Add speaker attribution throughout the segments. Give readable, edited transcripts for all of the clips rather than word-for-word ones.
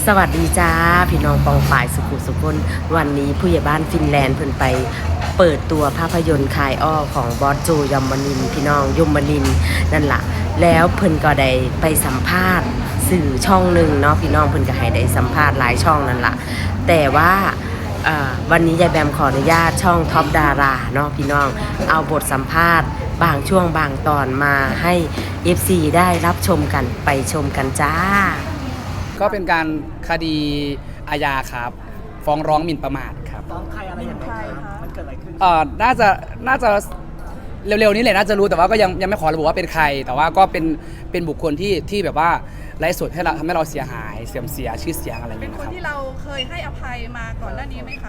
Speaker 1: สวัสดีจ้าพี่น้องปองฝ่ายสุขุสุขนวันนี้ผู้ใหญ่บ้านฟินแลนด์เพิ่นไปเปิดตัวภาพยนตร์คายอ้อของบอสโจยมนินทร์พี่น้องยมนินทร์นั่นล่ะแล้วเพิ่นก็ได้ไปสัมภาษณ์สื่อช่องหนึ่งเนาะพี่น้องเพิ่นก็ให้ได้สัมภาษณ์หลายช่องนั่นล่ะแต่ว่าวันนี้ยายแบมขออนุญาตช่องท็อปดาราเนาะพี่น้องเอาบทสัมภาษณ์บางช่วงบางตอนมาให้ FC ได้รับชมกันไปชมกันจ้า
Speaker 2: ก็เป็นการคดีอาญาครับฟ้องร้องหมิ่นประมาทครับ
Speaker 3: ฟ้องใครอะไรยังไงครับมันเกิดอะไรขึ้น
Speaker 2: น่าจะเร็วๆนี้เลยน่าจะรู้แต่ว่าก็ยังไม่ขอระบุว่าเป็นใครแต่ว่าก็เป็นบุคคลที่แบบว่าไร้สุดให้เราทำให้เราเสียหายเสื่อมเสียชื่อเสียงอะไรอย่าง
Speaker 4: เป็
Speaker 2: เงี้
Speaker 4: น
Speaker 2: ย
Speaker 4: คน
Speaker 2: นะครับ
Speaker 4: ที่เราเคยให้อภัยมาก่อนหน้านี้ไหมคะ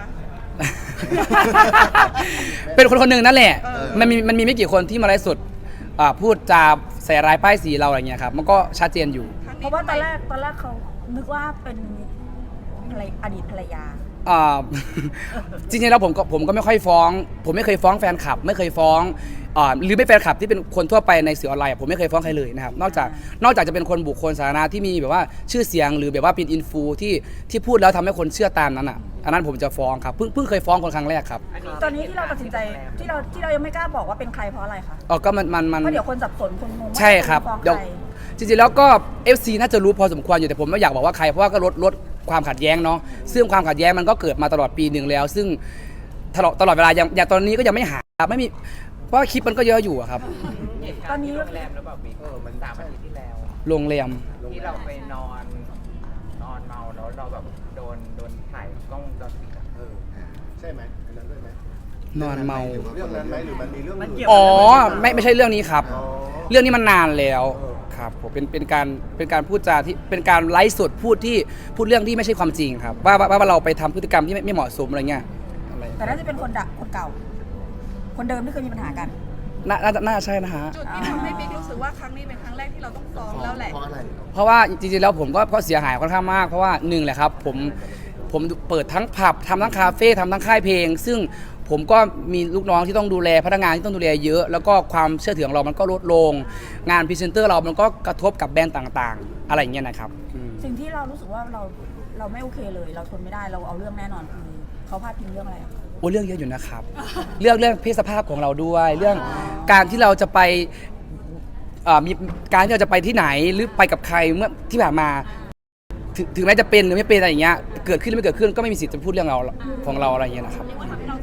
Speaker 2: เป็นคนหนึ่งนั่นแหละมันมีไม่กี่คนที่มาไร้สุดพูดจาใส่ร้ายป้ายสีเราอะไรเงี้ยครับมันก็ชัดเจนอยู่
Speaker 3: เพราะว่าตอนแรกเขานึกว่าเป็นอดีตภรรยา
Speaker 2: จริงๆแล้วผมก็ไม่ค่อยฟ้องผมไม่เคยฟ้องแฟนคลับไม่เคยฟ้องหรือไม่แฟนคลับที่เป็นคนทั่วไปในสื่อออนไลน์ผมไม่เคยฟ้องใครเลยนะครับนอกจากจะเป็นคนบุคคลสาธารณะที่มีแบบว่าชื่อเสียงหรือแบบว่าเป็นอินฟูที่พูดแล้วทำให้คนเชื่อตามนั้นอันนั้นผมจะฟ้องครับเพิ่งเคยฟ้องคนครั้งแรกครับ
Speaker 3: ตอนนี้ที่เราตัดสินใจที่เรายังไม่กล้าบอกว่าเป็นใครเพราะอะไรคะ
Speaker 2: ก็มัน
Speaker 3: เพราะเดี๋ยวคนสับสนคนงง
Speaker 2: ใช่ครับเดี๋ยวจริงๆแล้วก็ FC น่าจะรู้พอสมควรอยู่แต่ผมไม่อยากบอกว่าใครเพราะว่าก็ลดความขัดแย้งเนาะซึ่งความขัดแย้งมันก็เกิดมาตลอดปีหนึ่งแล้ว ซึ่งตลอดเวลาอย่างตอนนี้ก็ยังไม่หาไม่มีเพราะคลิปมันก็เยอะอยู่ครับ
Speaker 3: ตอนนี้
Speaker 5: โรงแรมหรือเปล่าบิ๊กมัน3 อาทิตย์ที่แล้ว
Speaker 2: โรงแรม
Speaker 5: ที่เราไปนอนเมาแล้วเราแบบโดนถ่ายกล้องวงจรปิด
Speaker 6: ใช่ไหมอันนั้นด้วยไหม
Speaker 2: นอนเมา
Speaker 6: เรื่องนั้นไหมหรือมันมีเรื่องอื่น
Speaker 2: ไม่ใช่เรื่องนี้ครับเรื่องนี้มันนานแล้วครับผมเป็นการพูดจาที่เป็นการไลฟ์สดพูดเรื่องที่ไม่ใช่ความจริงครับว่าเราไปทำพฤติกรรมที่ไม่เหมาะสมอะไรเงี้ย
Speaker 3: แต่น่าจะเป็นคนเก่าคนเดิมที่เคยมีปัญหากัน
Speaker 2: น่าใช่นะฮะ
Speaker 4: จุดที่ทำให้บิ๊กรู้สึกว่าครั้งนี้เป็นครั้งแรกที่เราต้องฟ้องแล้วแหละ
Speaker 2: เพราะว่าจริงๆแล้วผมก็เสียหายค่อนข้างมากเพราะว่าหนึ่งแหละครับผมเปิดทั้งผับทำทั้งคาเฟ่ทำทั้งค่ายเพลงซึ่งผมก็มีลูกน้องที่ต้องดูแลพนักงานที่ต้องดูแลเยอะแล้วก็ความเชื่อถือของเรามันก็ลดลงงานพรีเซนเตอร์เรามันก็กระทบกับแบรนด์ต่างๆอะไรอย่างเงี้ยนะครับ
Speaker 3: สิ่งที่เรารู้สึกว่าเราไม่โอเคเลยเราทนไม่ได้เราเอาเรื่องแน่นอนคือเขาพาดพิงเรื่องอะไร
Speaker 2: เรื่องเยอะอยู่นะครับเรื่องเพศสภาพของเราด้วยเรื่องการที่เราจะไปมีการที่เราจะไปที่ไหนหรือไปกับใครเมื่อที่ผ่านมาถึงแม้จะเป็นหรือไม่เป็นอะไรอย่างเงี้ยเกิดขึ้นหรือไม่เกิดขึ้นก็ไม่มีสิทธิ์จะพูดเรื่องเราของเราอะไรอย่างเงี้ยนะครับ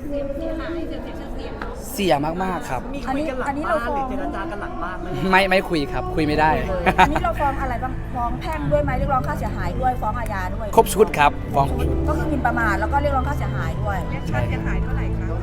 Speaker 2: เสียมากๆครับ
Speaker 3: อันนี้เราฟ้อง
Speaker 5: เจรจากันหลังบ้าน
Speaker 2: ไม่คุยครับคุยไม่ได้
Speaker 3: อันนี้เราฟ้องอะไรบ้างฟ้องแพ่งด้วยไหมเรียกร้องค่าเสียหายด้วยฟ้องอาญาด้วย
Speaker 2: ครบชุดครับฟ้องครบชุด
Speaker 3: ก็คือหมิ่นประมาทแล้วก็เรียกร้องค่าเสียหายด้วย
Speaker 4: เรียกค่าเสียหายเท่าไหร่คะ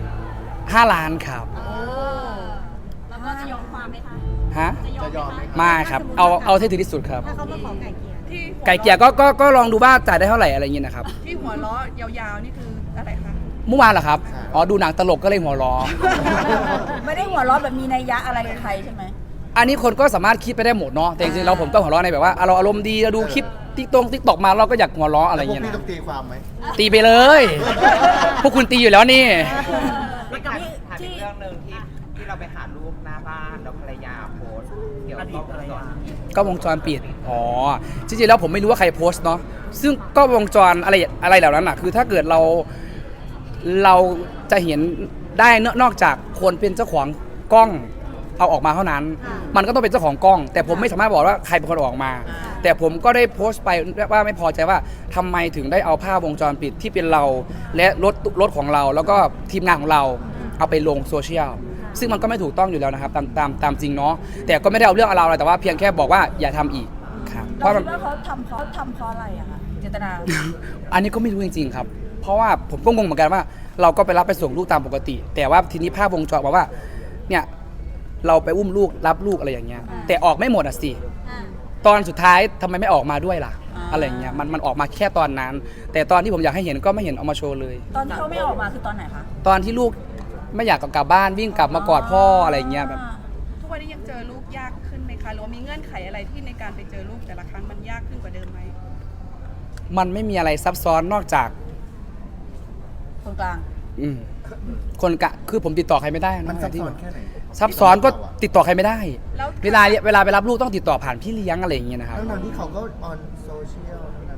Speaker 2: 5 ล้านครับ
Speaker 7: แล้วก็จะยอมความไหมคะ
Speaker 2: ฮะ
Speaker 6: จะยอมไหม
Speaker 2: ไม่ครับเอาให้ถึงที่สุดครับ
Speaker 7: ถ้าเขามาขอไก่เกลี่ย
Speaker 4: ที่
Speaker 2: ไก่เกลี่ยก็ลองดูว่าจ่ายได้เท่าไหร่อะไรเงี้ยนะครับ
Speaker 4: ที่หัวล้อยาวๆนี่คืออะไรคะ
Speaker 2: เมื่อวานเหรอครับดูหนังตลกก็เลยหัวล้อ
Speaker 3: ไม่ได้หัวล้อแบบมีนัยยะอะไรกับใครใช่ไหม
Speaker 2: อันนี้คนก็สามารถคิดไปได้หมดเนาะแต่จริงๆเราผมก็หัวล้อในแบบว่าเราอารมณ์ดีเราดูคลิปติ๊กตอกมาเราก็อยากหัวล้ออะไรเงี้ยนะ
Speaker 6: ต้องตีความไหม
Speaker 2: ตีไปเลยพวกคุณตีอยู่แล้วนี่
Speaker 5: แล้วกับถามอีกเรื่องนึงที่เราไปหาลูกหน้าบ้านแล้วภรรยาโพสเกี่ยวกับ
Speaker 2: ก็วงจรปิดจริงๆแล้วผมไม่รู้ว่าใครโพสต์เนาะซึ่งก็วงจรอะไรเหล่านั้นคือถ้าเกิดเราจะเห็นได้นอกจากคนเป็นเจ้าของกล้องเอาออกมาเท่านั้นมันก็ต้องเป็นเจ้าของกล้องแต่ผมไม่สามารถบอกว่าใครเป็นคนออกมาแต่ผมก็ได้โพสต์ไปว่าไม่พอใจว่าทำไมถึงได้เอาภาพวงจรปิดที่เป็นเราและรถของเราแล้วก็ทีมงานของเราเอาไปลงโซเชียลซึ่งมันก็ไม่ถูกต้องอยู่แล้วนะครับตามจริงเนาะแต่ก็ไม่ได้เอาเรื่องอะไรแต่ว่าเพียงแค่บอกว่าอย่าทำอีกครับ
Speaker 3: เพราะเขาทำเพราะอะไรอะคะเจตนา
Speaker 2: อันนี้ก็ไม่รู้จริงๆครับเพราะว่าผมก็งงเหมือนกันว่าเราก็ไปรับไปส่งลูกตามปกติแต่ว่าทีนี้ภาพวงจรบอกว่าเนี่ยเราไปอุ้มลูกรับลูกอะไรอย่างเงี้ยแต่ออกไม่หมดสิตอนสุดท้ายทำไมไม่ออกมาด้วยล่ะอะไรอย่างเงี้ยมันออกมาแค่ตอนนั้นแต่ตอนที่ผมอยากให้เห็นก็ไม่เห็นเอามาโชว์เลย
Speaker 3: ตอนที่เขาไม่ออกมาคือตอนไหนคะ
Speaker 2: ตอนที่ลูกไม่อยากกลับบ้านวิ่งกลับมากอดพ่ออะไรอย่างเงี้ยแบบ
Speaker 4: ทุกวันนี้ยังเจอลูกยากขึ้นไหมคะหรือว่ามีเงื่อนไขอะไรที่ในการไปเจอลูกแต่ละครั้งมันยากขึ้นกว่าเดิมไหม
Speaker 2: มันไม่มีอะไรซับซ้อนนอกจาก
Speaker 3: คนกลาง
Speaker 2: คนกะคือผมติดต่อใครไม่ได้
Speaker 6: มันซับซ้อนแค่ไหน
Speaker 2: ซับซ้อนก็ติดต่อใครไม่ได้เวลาไปรับลูกต้องติดต่อผ่านพี่เลี้ยงอะไรอย่างเงี้ยนะครับ
Speaker 6: ทั้งที่เขาก็ออนโซเชียล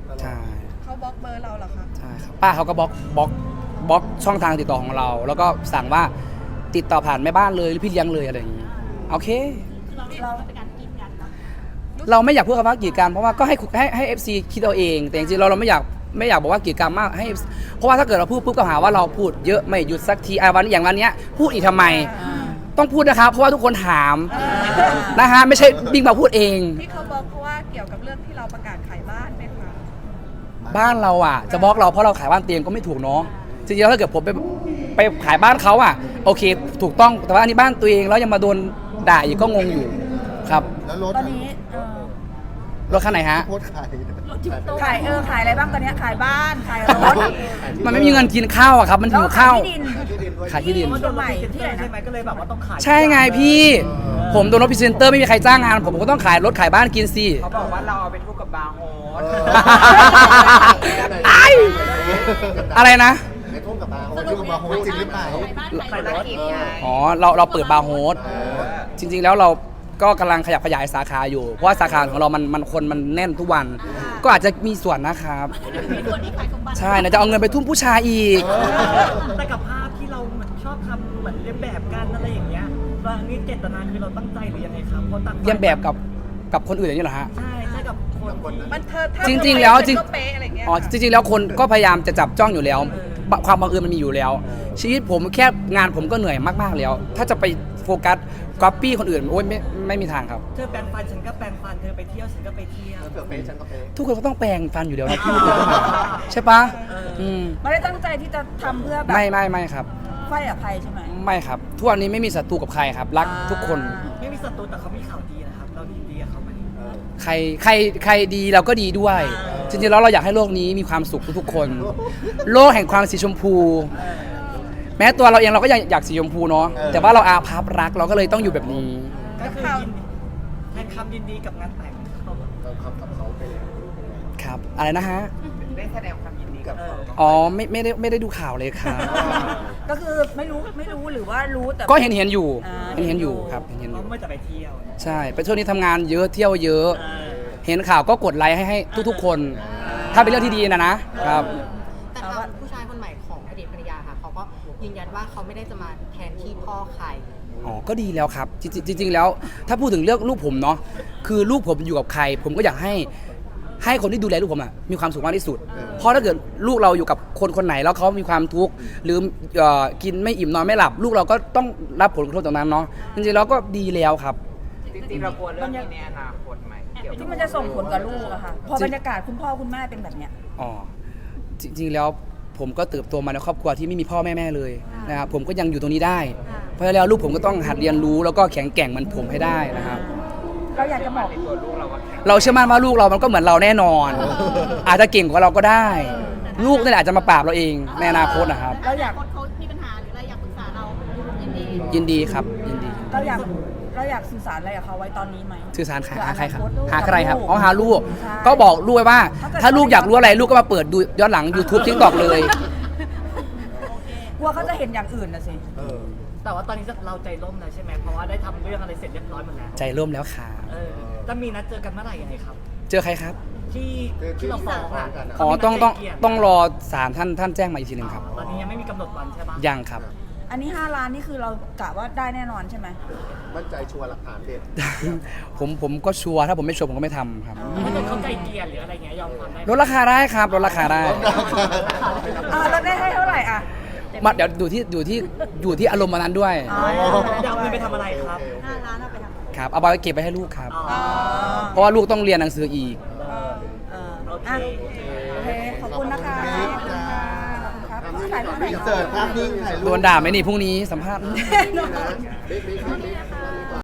Speaker 2: ใช่
Speaker 4: เขาบล็อกเบอร์เราเหรอคะ
Speaker 2: ใช่ครับป้าเขาก็บล็อกช่องทางติดต่อของเรา แล้วก็สั่งว่าติดต่อผ่านแม่บ้านเลยหรือพี่เลี้ยงเลยอะไรอย่างนี้โอเค
Speaker 7: เราเป็นการกินกันเนาะ
Speaker 2: เราไม่อยากพูดคำว่ากีดกันเพราะว่าก็ให้ FC คิดเอาเอง แต่จริงๆเราไม่อยากบอกว่ากีดกันมากให้ เพราะว่าถ้าเกิดเราพูดปุ๊บก็หาว่าเราพูดเยอะไม่หยุดสักทีวันอย่างวันเนี้ยพูดอีกทำไม ต้องพูดนะครับเพราะว่าทุกคนถามนะฮะไม่ใช่บิ๊กมาพูดเอง
Speaker 4: ที่เขาบล็อกเพราะว่าเกี่ยวกับเรื่องที่เราประกาศขายบ้านไหมคะ
Speaker 2: บ้านเราอ่ะจะบล็อกเราเพราะเราขายบ้านเตียงก็ไม่ถูกเนาะจริงๆแล้วถ้าเกิดผมไปขายบ้านเขาอ่ะโอเคถูกต้องแต่ว่าอันนี้บ้านตัวเองแล้วยังมาโดนด่าอีกก็งงอยู่ครับ
Speaker 6: แล้วรถ
Speaker 3: ตอนนี้
Speaker 2: รถคันไหนฮะ
Speaker 6: โพสต์ขาย
Speaker 3: ขายขายอะไรบ้างตอนนี้ขายบ้านขายรถ
Speaker 2: มันไม่มีเงินกินข้าวอะครับมันหิวข้าว
Speaker 3: แล้วขายที่ดิน
Speaker 2: ขายที่ดิน
Speaker 3: คอนโดใหม่ที่ไหนนะ
Speaker 5: ใช่ไหมก็เลยแบบว่าต้องขาย
Speaker 2: ใช่ไงพี่ ผมโดนรถพรีเซนเตอร์ไม่มีใครจ้างงานผมก็ต้องขายรถขายบ้านกินสิ
Speaker 5: เขาบอกว่าเราเอาไปทุกกับบาร์โฮส
Speaker 2: ไอ้อะไรนะ
Speaker 6: ในทุ่งกับบาร์โฮสที่กับบาร์โฮสจริงหรือเปล่า
Speaker 5: ขายรถอีกไง
Speaker 2: อ๋อเราเปิดบาร์โฮสจริงๆแล้วเราก็กำลังขยับขยายสาขาอยู่เพราะว่าสาขาของเรามันคนมันแน่นทุกวัน ก็อาจจะมีส่วนนะครับ
Speaker 7: มีคนที่ขายสมบัติ
Speaker 2: ใช่นะจะเอาเงินไปทุ่มผู้ชายอีก
Speaker 8: แต่กับภาพที่เราเหมือนชอบทำเหมือนเลียนแบบกันอะไรอย่างเงี้ยว่านี่เจตนาคือเราตั้งใจหรือยังไงครับเพราะตั้ง
Speaker 2: เยี่ยมแบบกับคนอื่นอย่างนี้เหรอฮะ
Speaker 8: ใช่กับคน
Speaker 4: มันเธอถ้า
Speaker 2: จริงๆแล้วจริง
Speaker 4: ก็เป๊ะอะไรเงี้ย
Speaker 2: อ๋อจริงๆแล้วคนก็พยายามจะจับจ้องอยู่แล้ว ความบังเอิญมันมีอยู่แล้ว ชีวิตผมแค่งานผมก็เหนื่อยมากๆแล้ว ถ้าจะไปโฟกัสก๊อปปี้คนอื่นโอ้ยไม่มีทางครับ
Speaker 8: เธอแปลงฟันฉันก็แปลงฟันเธอไปเที่ยวฉันก็ไปเที่ยว
Speaker 6: เผื่อเป๊ะฉันก็เป๊ะ
Speaker 2: ทุกคนก็ต้องแปลงฟันอยู่แล้วนะพี่ใช่ปะม
Speaker 3: ไม่ได้ตั้งใจที่จะทำเพื่อแบบ
Speaker 2: ไม่ครับ
Speaker 3: ไฟกับใครใช่ไหม
Speaker 2: ไม่ครับทุกวันนี้ไม่มีศัตรูกับใครครับ รักทุกคน
Speaker 8: ไม่มีศัตรูแต่เขามีข่าวดีนะครับเราดีกับเขาไหม
Speaker 2: ใครดีเราก็ดีด้วย จริงๆแล้วเราอยากให้โลกนี้มีความสุขทุกๆคน โลกแห่งความสีชมพู แม้ตัวเราเองเราก็อยากสีชมพูเนาะแต่ว่าเราอาภัพรักเราก็เลยต้องอยู่แบบนี้
Speaker 8: ก็คือแทนคำยินดีกับงานแต่งเขา
Speaker 6: เราขับกับเขาไปแล้ว
Speaker 2: ครับ อะไรนะฮะ
Speaker 5: ได้แสดงความยินดีกับเขา
Speaker 2: อ๋อไม่ได้ดูข่าวเลยครับ
Speaker 3: ก็คือไม่รู้หรือว่ารู้แต่
Speaker 2: ก็เห็นอยู่
Speaker 3: อ่า
Speaker 2: เห็นอยู่ครับเห็นอ
Speaker 8: เขา
Speaker 2: ยู่
Speaker 8: ไม่จะไปเที่ยว
Speaker 2: ใช่เป็นช่วงนี้ทำงานเยอะเที่ยวเยอะ เห็นข่าวก็กดไลค์ให้ทุกๆคน ถ้าเป็นเรื่องที่ดีนะครับ
Speaker 9: แต่ทางผู้ชายคนใหม่ของอดีตภรรยาค่ะเขาก็ยืนยันว่าเขาไม่ได้จะมาแทนที่พ่อใคร
Speaker 2: อ๋อ ก็ดีแล้วครับ จริงๆแล้ว ถ้าพูดถึงเรื่องลูกผมเนาะ คือลูกผมอยู่กับใคร ผมก็อยากให้คนที่ดูแลลูกผมมีความสุขมากที่สุด เพราะถ้าเกิดลูกเราอยู่กับคนไหนแล้วเขามีความทุกข์หรือกินไม่อิ่มนอนไม่หลับ ลูกเราก็ต้องรับผลกระทบตรงนั้นเนาะ จริงๆแล้วก็ดีแล้วครับ
Speaker 5: จริงๆเรากลัวเรื่องนี้ในอนาคตไหมเกี่ยวกับ
Speaker 3: ที่มันจะส่งผลกับลูกอะค่ะพอบรรยากาศคุณพ่อคุณแม่เป็นแบบเนี้ย
Speaker 2: อ๋อ จริงๆแล้วผมก็เติบโตมาในครอบครัวที่ไม่มีพ่อแม่เลยนะครับ ผมก็ยังอยู่ตรงนี้ได้ เพราะฉะนั้นแล้วลูกผมก็ต้องหัดเรียนรู้แล้วก็แข็งแกร่งเหมือนผมให้ได้นะครับ
Speaker 3: เราอยากจะบอก
Speaker 5: ในตัวลูกเราว่าแข็ง
Speaker 2: เราเชื่อมั่นว่าลูกเรามันก็เหมือนเราแน่นอน อาจจะเก่งกว่าเราก็ได้ ลูกนี่แหละอาจจะมาปราบเราเองในอนาคตนะครับ
Speaker 3: เราอยาก
Speaker 7: คนเขามีปัญหาหรืออะไรอยากปรึกษาเรายินดี
Speaker 2: ยินดีครับยินดี
Speaker 3: เราอยากสื่อสารอะไรกับเขาไว้ตอนนี้ไหม
Speaker 2: สื่อสารหาใครครับ
Speaker 3: เพื่ออนาต
Speaker 2: หาใครครับ
Speaker 3: ลูก
Speaker 2: อ๋อหาลูก
Speaker 3: ใช่
Speaker 2: ก็บอกลูกไว้ว่า
Speaker 3: ถ้าเกิด
Speaker 2: ถ้าลูกอยากรู้อะไรลูกก็มาเปิดดูย้อนหลัง YouTube TikTok เลย
Speaker 3: กลัวเขาจะเห็นอย่างอื่นนะสิ
Speaker 8: แต่ว่าตอนนี้เราใจร่มแล้วใช่ไหมเพราะว่าได้ทำเรื่องอะไรเสร็จเรียบร้อยหมดแล้ว
Speaker 2: ใจร่มแล้วค่ะ
Speaker 8: จะมีนัดเจอกันเมื่อไหร่ยังไงครับ
Speaker 2: เจอใครครับ
Speaker 8: ที่เราฟ้องอ่ะ
Speaker 2: อ๋อ
Speaker 8: เขามีนัดไกลเกลี่ย
Speaker 2: ต้องรอศาลท่านแจ้งมาอีกทีหนึ่งครับ
Speaker 8: ตอนนี้ยังไม่มีกำหนดวันใช่ปะ
Speaker 2: ยังครับ
Speaker 3: อันนี้5 ล้านนี่คือเรากะว่าได้แน่นอนใช่ไหม
Speaker 6: มั่นใจชัวร์หลักฐานเด็ด
Speaker 2: ผมก็ชัวร์ถ้าผมไม่ชัวร์ผมก็ไม่ทำครับ
Speaker 8: ถ้าเกิดเขาไกลเกลี่ยหรืออะไรเงี้ยยอมความได้ไหม
Speaker 2: ลดราคาได้ครับลดราคาได้
Speaker 3: เราได้ให้เท่าไหร่อ่ะ
Speaker 2: มาเดี๋ยวอยู่ที่อารมณ์วันนั้นด้วย
Speaker 3: อ๋อ
Speaker 8: จะเอาเงินไปทำอะไรครับ
Speaker 7: 5 ล้านเอาไปทำ
Speaker 2: ครับเอาไปเก็บไปให้ลูกครับ
Speaker 8: อ๋อ
Speaker 2: เพราะว่าลูกต้องเรียนหนังสืออีก
Speaker 8: โอเค
Speaker 3: อ่ะโอเค ขอบคุณนะคะขอบคุณค่ะขอบคุณครับถ่ายรูปหน่อย
Speaker 6: อินเสิร์ตภาพนิ่งถ่ายรูป
Speaker 2: โดนด่าไหมนี่พรุ่งนี้สัมภาษณ์
Speaker 6: บิ๊ก